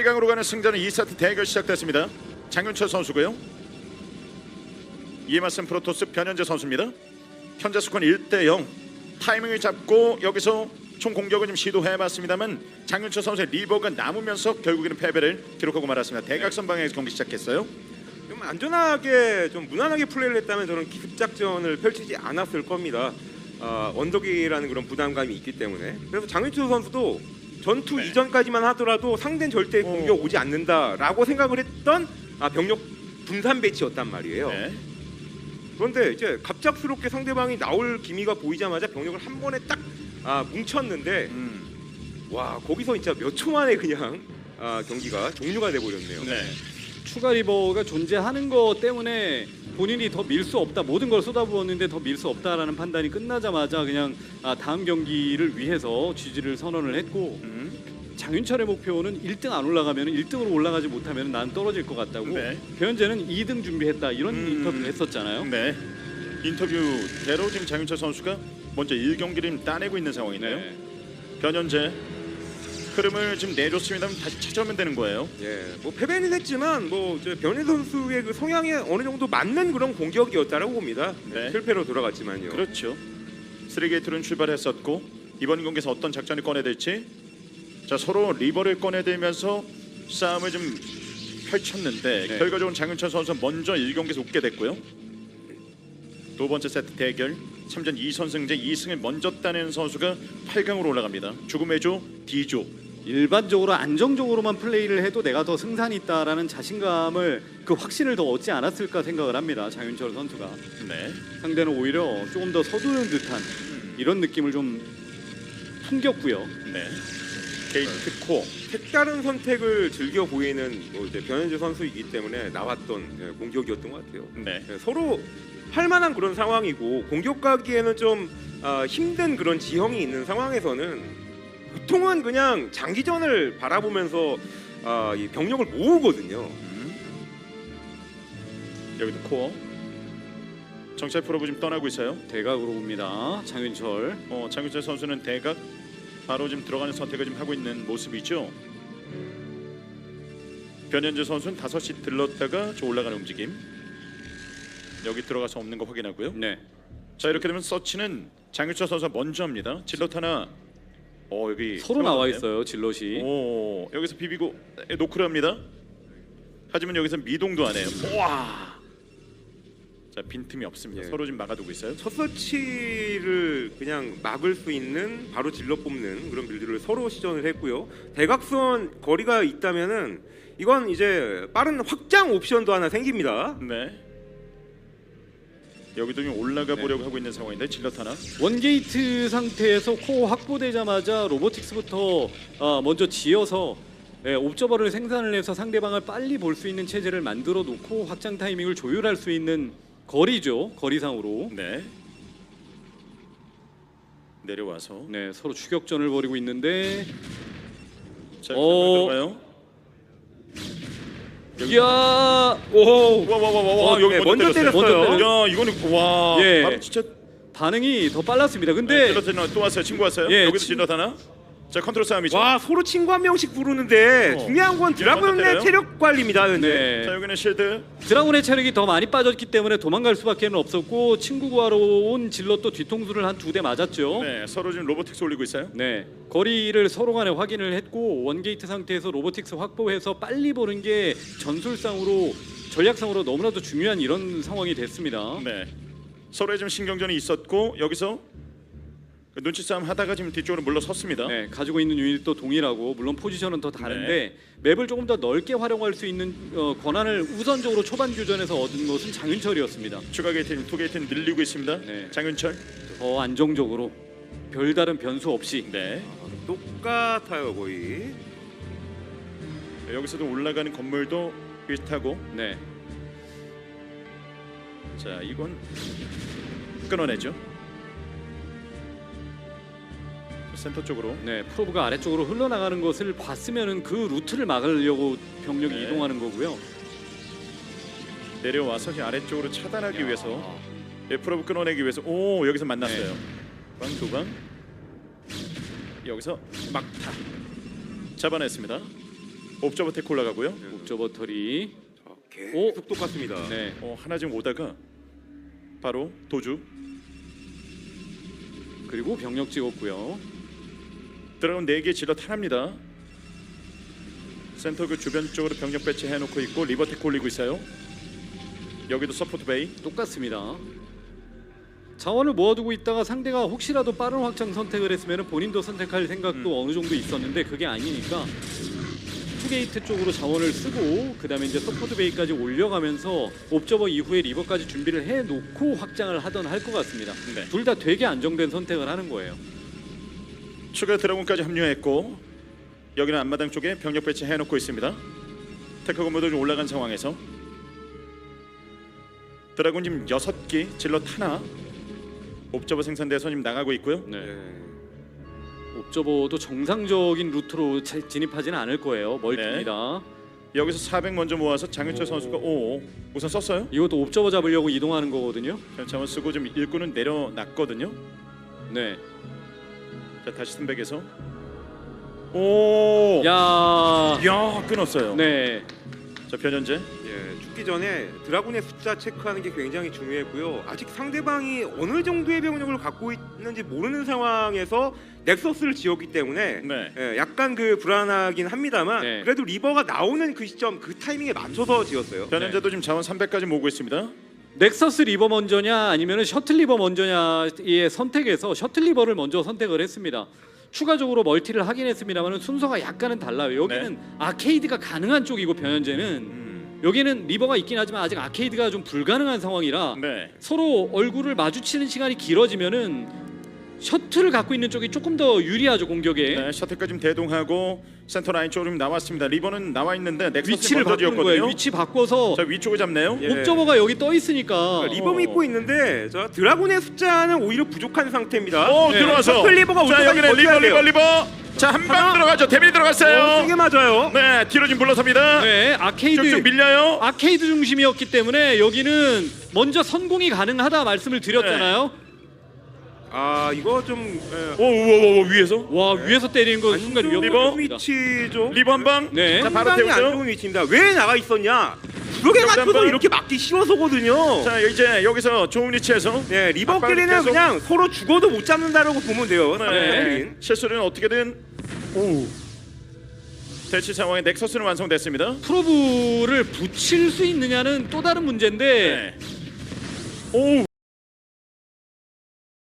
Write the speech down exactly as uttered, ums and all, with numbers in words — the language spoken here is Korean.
강으로 가는 승자는 이 세트 대결 시작됐습니다. 장윤철 선수고요. 이에 맞선 프로토스 변현재 선수입니다. 현재 스코어 일 대 영. 타이밍을 잡고 여기서 총 공격을 좀 시도해봤습니다만 장윤철 선수의 리버가 남으면서 결국에는 패배를 기록하고 말았습니다. 대각선 방향에서 경기 시작했어요. 좀 안전하게 좀 무난하게 플레이를 했다면 저는 기습작전을 펼치지 않았을 겁니다. 아, 언덕이라는 그런 부담감이 있기 때문에. 그래서 장윤철 선수도 전투 네. 이전까지만 하더라도 상대는 절대 공격 오지 않는다라고 생각을 했던 아, 병력 분산 배치였단 말이에요. 네. 그런데 이제 갑작스럽게 상대방이 나올 기미가 보이자마자 병력을 한 번에 딱 아, 뭉쳤는데 음. 와 거기서 진짜 몇 초 만에 그냥 아, 경기가 종료가 돼버렸네요. 네. 추가 리버가 존재하는 것 때문에 본인이 더 밀 수 없다, 모든 걸 쏟아부었는데 더 밀 수 없다라는 판단이 끝나자마자 그냥 아, 다음 경기를 위해서 지지를 선언을 했고 음. 장윤철의 목표는 일 등 안 올라가면 일 등으로 올라가지 못하면 난 떨어질 것 같다고. 네. 변현재는 이 등 준비했다 이런 음. 인터뷰를 했었잖아요. 네. 인터뷰대로 지금 장윤철 선수가 먼저 일 경기를 따내고 있는 상황이네요. 네. 변현재 흐름을 지금 내줬습니다. 다시 찾아오면 되는 거예요. 예, 뭐 패배는 했지만 뭐 변희 선수의 그 성향에 어느 정도 맞는 그런 공격이었다라고 봅니다. 네. 실패로 돌아갔지만요. 그렇죠. 쓰리게이트는 출발했었고 이번 경기에서 어떤 작전을 꺼내들지. 자, 서로 리버를 꺼내들면서 싸움을 좀 펼쳤는데 네. 결과적으로 장윤철 선수 먼저 일 경기에서 웃게 됐고요. 두 번째 세트 대결 삼 전 이 선승제 이 승을 먼저 따낸 선수가 팔 강으로 올라갑니다. 죽음의 조 D조. 일반적으로 안정적으로만 플레이를 해도 내가 더 승산이 있다라는 자신감을 그 확신을 더 얻지 않았을까 생각을 합니다. 장윤철 선수가. 네. 상대는 오히려 조금 더 서두르는 듯한 이런 느낌을 좀 풍겼고요. 네. 게이트 코어. 색다른 선택을 즐겨 보이는 뭐 이제 변현재 선수이기 때문에 나왔던 예, 공격이었던 것 같아요. 네. 예, 서로 할 만한 그런 상황이고 공격 가기에는 좀 아, 힘든 그런 지형이 있는 상황에서는 보통은 그냥 장기전을 바라보면서 아, 이 병력을 모으거든요. 음. 여기도 코어. 정찰 프로브 지금 떠나고 있어요. 대각으로 봅니다. 장윤철. 어, 장윤철 선수는 대각 바로 지금 들어가는 선택을 좀 하고 있는 모습이죠. 변현재 선수는 다섯 시 들렀다가 저 올라가는 움직임. 여기 들어가서 없는 거 확인하고요. 네. 자, 이렇게 되면 서치는 장윤철 선수가 먼저 합니다. 질럿 하나. 어, 여기 서로 나와 세워놨네요. 있어요. 질럿이. 오, 여기서 비비고 노크를 합니다. 하지만 여기서 미동도 안 해요. 와. 자, 빈틈이 없습니다. 예. 서로 지금 막아두고 있어요. 첫 서치를 그냥 막을 수 있는 바로 질러 뽑는 그런 빌드를 서로 시전을 했고요. 대각선 거리가 있다면은 이건 이제 빠른 확장 옵션도 하나 생깁니다. 네. 여기도 좀 올라가 보려고 하고 있는 상황인데 질럿 하나. 원게이트 상태에서 코어 확보되자마자 로보틱스부터 어, 먼저 지어서 예, 옵저버를 생산을 해서 상대방을 빨리 볼 수 있는 체제를 만들어 놓고 확장 타이밍을 조율할 수 있는 거리죠. 거리상으로. 네. 내려와서. 네, 서로 추격전을 벌이고 있는데 자, 어. 들어가요. 이야 오, 와와와와 어, 여기 네, 먼저, 먼저 때렸어요. 때렸어요. 야, 이거는 와. 예. 바로 진짜. 반응이 더 빨랐습니다. 네, 근데 질럿 하나 또 왔어요. 친구 왔어요. 예, 여기도 친- 질럿 하나. 자, 컨트롤 싸움이죠. 와 서로 친구 한 명씩 부르는데 어. 중요한 건 먼저 때려요? 드라군의 체력 관리입니다. 현재. 네. 자, 여기는 실드. 드라군의 체력이 더 많이 빠졌기 때문에 도망갈 수밖에 없었고 친구 구하러 온 질럿도 뒤통수를 한 두 대 맞았죠. 네, 서로 지금 로보틱스 올리고 있어요. 네, 거리를 서로 간에 확인을 했고 원게이트 상태에서 로보틱스 확보해서 빨리 보는 게 전술상으로 전략상으로 너무나도 중요한 이런 상황이 됐습니다. 네. 서로의 좀 신경전이 있었고 여기서 그 눈치 싸움 하다가 지금 뒤쪽으로 물러섰습니다. 네, 가지고 있는 유닛도 동일하고 물론 포지션은 더 다른데 맵을 조금 더 넓게 활용할 수 있는 어, 권한을 우선적으로 초반 교전에서 얻은 것은 장윤철이었습니다. 추가 게이트는 투 게이트는 늘리고 있습니다. 네. 장윤철. 더 안정적으로 별다른 변수 없이. 네. 똑같아요 거의. 여기서도 올라가는 건물도 비슷하고. 네, 자, 이건 끊어내죠. 센터 쪽으로. 네, 프로브가 아래쪽으로 흘러나가는 것을 봤으면은 그 루트를 막으려고 병력이 네. 이동하는 거고요. 내려와서 이제 아래쪽으로 차단하기 야. 위해서 프로브 끊어내기 위해서 오 여기서 만났어요. 네. 방 두방 여기서 막타 잡아냈습니다. 옵저버 테크 올라가고요. 옵저버 털이. 자, 계속 오. 똑같습니다. 네. 어, 하나 지금 오다가 바로 도주. 그리고 병력 찍었고요. 드라곤 네 개 질러 탄합니다. 센터 그 주변 쪽으로 병력 배치해 놓고 있고 리버 테크 올리고 있어요. 여기도 서포트 베이. 똑같습니다. 자원을 모아두고 있다가 상대가 혹시라도 빠른 확장 선택을 했으면 본인도 선택할 생각도 음. 어느 정도 있었는데 그게 아니니까 투게이트 쪽으로 자원을 쓰고 그 다음에 이제 서포트 베이까지 올려가면서 옵저버 이후에 리버까지 준비를 해놓고 확장을 하던 할 것 같습니다. 네. 둘 다 되게 안정된 선택을 하는 거예요. 추가 드라곤까지 합류했고 여기는 앞마당 쪽에 병력 배치해 놓고 있습니다. 테크 건물도 좀 올라간 상황에서 드라곤 지금 여섯 기 질럿 하나 옵저버 생산돼서 지금 나가고 있고요. 네. 네. 옵저버도 정상적인 루트로 자- 진입하지는 않을 거예요. 멀티입니다. 여기서 사백 먼저 모아서 장윤철 선수가 오 우선 썼어요. 이것도 옵저버 잡으려고 이동하는 거거든요. 자원 쓰고 지금 일꾼은 내려놨거든요. 네. 자 다시 스백에서 오. 야. 야 끊었어요. 네. 자 변현재. 예, 죽기 전에 드라군의 숫자 체크하는 게 굉장히 중요했고요. 아직 상대방이 어느 정도의 병력을 갖고 있는지 모르는 상황에서 넥서스를 지었기 때문에 네. 예, 약간 그 불안하긴 합니다만 네. 그래도 리버가 나오는 그 시점 그 타이밍에 맞춰서 지었어요. 변현재도 지금 자원 삼백까지 모으고 있습니다. 넥서스 리버 먼저냐 아니면 셔틀 리버 먼저냐의 선택에서 셔틀 리버를 먼저 선택을 했습니다. 추가적으로 멀티를 하긴 했습니다만 순서가 약간은 달라요. 여기는 네. 아케이드가 가능한 쪽이고 변현재는 음. 여기는 리버가 있긴 하지만 아직 아케이드가 좀 불가능한 상황이라 네. 서로 얼굴을 마주치는 시간이 길어지면은 셔틀을 갖고 있는 쪽이 조금 더 유리하죠 공격에. 네, 셔틀까지 좀 대동하고 센터 라인 쪽으로 좀 나왔습니다. 리버는 나와 있는데 넥서스 위치를 먼저 바꾸는 거예요. 지었거든요. 위치 바꿔서 자 위쪽을 잡네요. 예. 옵저버가 여기 떠 있으니까 그러니까 리버 어. 믿고 있는데 저 드라군의 숫자는 오히려 부족한 상태입니다. 오 네. 들어와서. 셔틀 리버가 올 자 때까지 여기는 리버 버텨야 리버 돼요. 리버. 자 한 방 하나. 들어가죠. 데빌 어, 들어갔어요. 세게 맞아요. 네 뒤로 좀 물러섭니다. 네 아케이드 쭉쭉 밀려요. 아케이드 중심이었기 때문에 여기는 먼저 선공이 가능하다 말씀을 드렸잖아요. 아 이거 좀 예, 오오오 위에서 와 위에서 때리는 건 순간 안 위험. 리버? 좋은 위치죠. 리버 한 방. 네. 자 바로 상당히 안 태우죠. 좋은 위치입니다. 왜 나가 있었냐? 그렇게 여기다 맞춰서 한번. 이렇게 맞기 쉬워서거든요. 자 이제 여기서 좋은 위치에서 네 리버끼리는 계속. 그냥 서로 죽어도 못 잡는다라고 보면 돼요. 네. 상대끼리는. 실수는 어떻게든 오 대치 상황에 넥서스는 완성됐습니다. 프로브를 붙일 수 있느냐는 또 다른 문제인데 네. 오